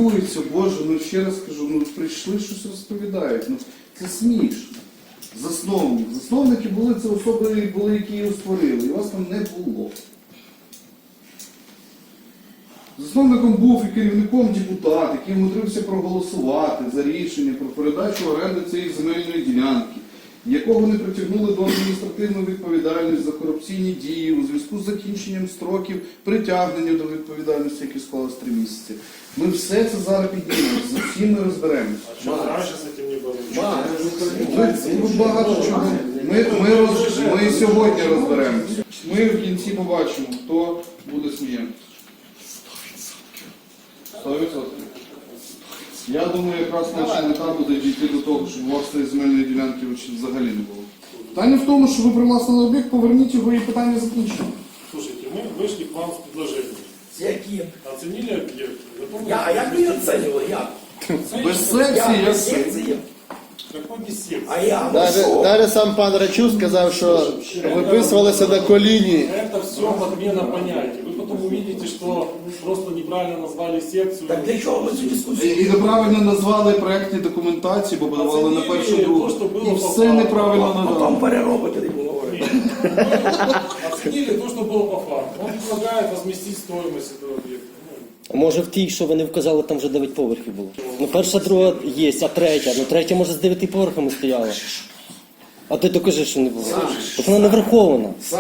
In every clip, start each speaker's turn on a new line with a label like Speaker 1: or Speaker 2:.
Speaker 1: хвилюються, Боже, ну ще раз кажу, ну прийшли, щось розповідають. Ну це смішно. Засновники були, це особи були, які його створили, і вас там не було. Засновником був і керівником депутат, який вмудрився проголосувати за рішення про передачу оренди цієї земельної ділянки, якого не притягнули до адміністративної відповідальності за корупційні дії у зв'язку з закінченням строків притягнення до відповідальності, які склалось 3 місяці. Ми все це зараз піднімемо, за всім ми розберемося.
Speaker 2: А что раньше с этим не было?
Speaker 1: Ми багато чого. Ми сьогодні розберемося. Ми в кінці побачимо, хто буде сміятися. 100%. Я думаю, якраз наша мета буде дійти до того, щоб у вас цієї земельної ділянки взагалі не було. Питання в тому, що ви привласнили об'єкт, поверніть його і питання закінчено.
Speaker 2: Слушайте, мы вышли к вам с предложением.
Speaker 3: Які?
Speaker 2: Оценили объект?
Speaker 3: А як ви оцінювали? Як?
Speaker 1: Без секції,
Speaker 3: Я
Speaker 1: як
Speaker 3: без секції.
Speaker 2: Какой без секции?
Speaker 3: А я, ну що?
Speaker 4: Навіть сам пан Рачук сказав, що виписувалися на коліні.
Speaker 2: Это все подмена понятий. Вы потом увидите, что просто неправильно назвали секцию.
Speaker 3: Так для чого ми цю дискусію?
Speaker 1: І неправильно назвали проєктні документації, бо подавали на першу другу. І все неправильно
Speaker 3: Потім
Speaker 1: надали.
Speaker 3: переробити, не буду говорити.
Speaker 2: Оценили то, что было по факту. Он предлагает возместить стоимость этого объекта.
Speaker 5: Може в тій, що вони вказали, там вже 9 поверхів було. Ну перша, друга є, а третя. Ну третя може з 9 поверхами стояла. А ти докажи, що не було. Так вона не врахована.
Speaker 3: Сань.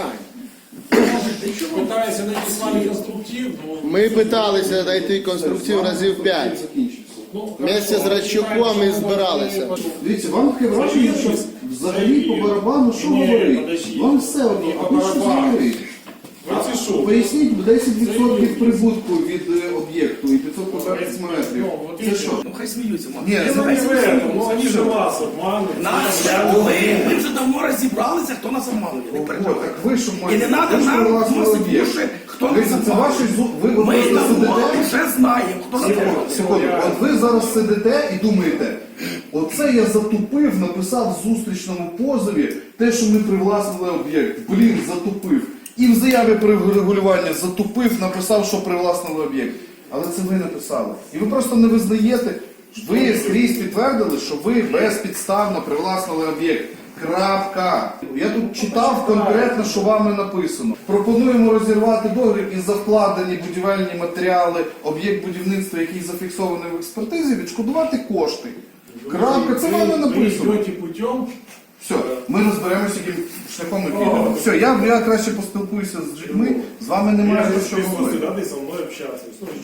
Speaker 2: Пытаясь найти с вами конструктив, но...
Speaker 4: Ми питалися знайти конструктив разів 5. Вместе з Рачуком і збиралися.
Speaker 1: Дивіться, вам таке враження, що взагалі по барабану що говорить? Вам все одно, а ви що говорить? Поясніть 10% прибутку від об'єкту і 500 квадратних метрів. Це що?
Speaker 3: Ну хай сміються, мам.
Speaker 1: Ні,
Speaker 2: Ну не в этом, ну они же вас обманывают.
Speaker 3: Нас вже були, ми вже давно розібралися, хто нас обманує. Не
Speaker 1: От,
Speaker 3: переживай.
Speaker 1: так ви що
Speaker 3: І
Speaker 1: маєте?
Speaker 3: не треба
Speaker 1: Ви ж
Speaker 3: нам
Speaker 1: привласнили
Speaker 3: носити
Speaker 1: об'єкт.
Speaker 3: уші, хто нас
Speaker 1: Дивіться, це ваші
Speaker 3: обманує.
Speaker 1: ви
Speaker 3: Ми
Speaker 1: просто
Speaker 3: давно
Speaker 1: сидите.
Speaker 3: вже знаємо, хто нас обманує.
Speaker 1: Секунду. От ви зараз сидите і думаєте, оце я затупив, написав в зустрічному позові те, що ми привласнили об'єкт. Блін, затупив. І в заяві про регулювання затупив, написав, що привласнили об'єкт. Але це ви написали. І ви просто не визнаєте, ви скрізь підтвердили, що ви безпідставно привласнили об'єкт. Крапка. Я тут читав конкретно, що вами написано. Пропонуємо розірвати договір і за вкладені будівельні матеріали, об'єкт будівництва, який зафіксований в експертизі, відшкодувати кошти. Крапка. Це вами написано.
Speaker 2: Вы идете путем.
Speaker 1: Все, ми розберемося, яким шляхом ми підемо. Все, я краще поспілкуюся з людьми, з вами немає про що говорити.
Speaker 2: Рады со мной общаться. Слушай,